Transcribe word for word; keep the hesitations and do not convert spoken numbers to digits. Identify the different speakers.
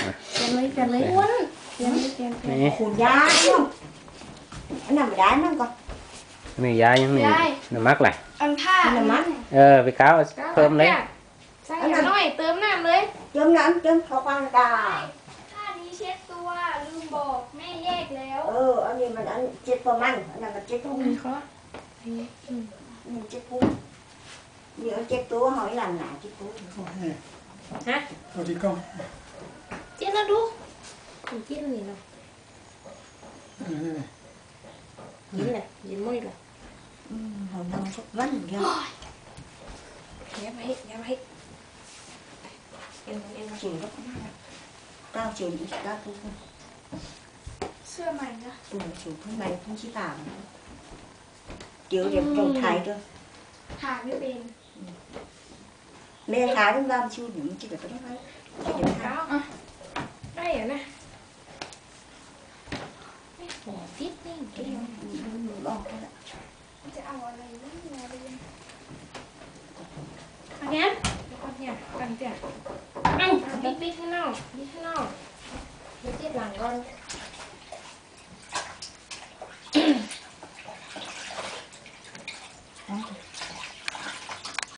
Speaker 1: เขียนเลยเขียนเลยอ้วนเขียนเลยเขียนนี่
Speaker 2: ขูดยาkhôngอันนั้นไม่ได้นั่นก่อน
Speaker 3: มียายังมีน้ำมักไหล
Speaker 1: อันผ้า
Speaker 2: น้ำมัน
Speaker 3: เออไปก้าวเพิ่มเลย
Speaker 1: ใส่หน่อยเติมน้ำเลย
Speaker 2: เติมน้ำเติมข้าวปั้นกา
Speaker 1: ผ้านี้เช็ดตัวลืมบอกแม่แยกแล้ว
Speaker 2: เอออันนี้มันอันเจ็ดประมาณอันนั้นมันเจ็ดพุ่ง
Speaker 1: นี่เขา
Speaker 2: นี่เจ็ดพุ่งนี่เจ็ดตัวหอยหลังหนาเจ็ดพุ่ง
Speaker 1: ฮะ
Speaker 4: เอาดีกล้อง
Speaker 1: เจ็ดแล้วดูผมกินนี่เนาะยินเลยยินไม่เลย
Speaker 2: อืมหอยนางสักวันเดียว
Speaker 1: ย้ำให้ย้ำให้เอ็นเอ็น
Speaker 2: จิ๋วก็เก้าจิ๋วอีกเก้าพุ่ง
Speaker 1: เสื้อใหม่นะ
Speaker 2: อืมจิ๋วพุ่งไปพุ่งชี้ตามจิ๋วเดี๋ยวตรงไทยด้วย
Speaker 1: หาไม่เป็น
Speaker 2: แม่ขายต้องรำชิวหนึ่งจิ๋วก็ได้ไหมจิ๋วได้
Speaker 1: ได้เหรอนะหัวฟิตนี่เก่ง
Speaker 2: บอกได้ละ
Speaker 1: จะเอาอะไรนี่มาเรียนอันนี้ก่อนเนี่ยกันเตี้ยเอ้าบิ๊กบิ๊กข้างนอกบิ๊กข้างนอกบิ๊กที่หลังก่อน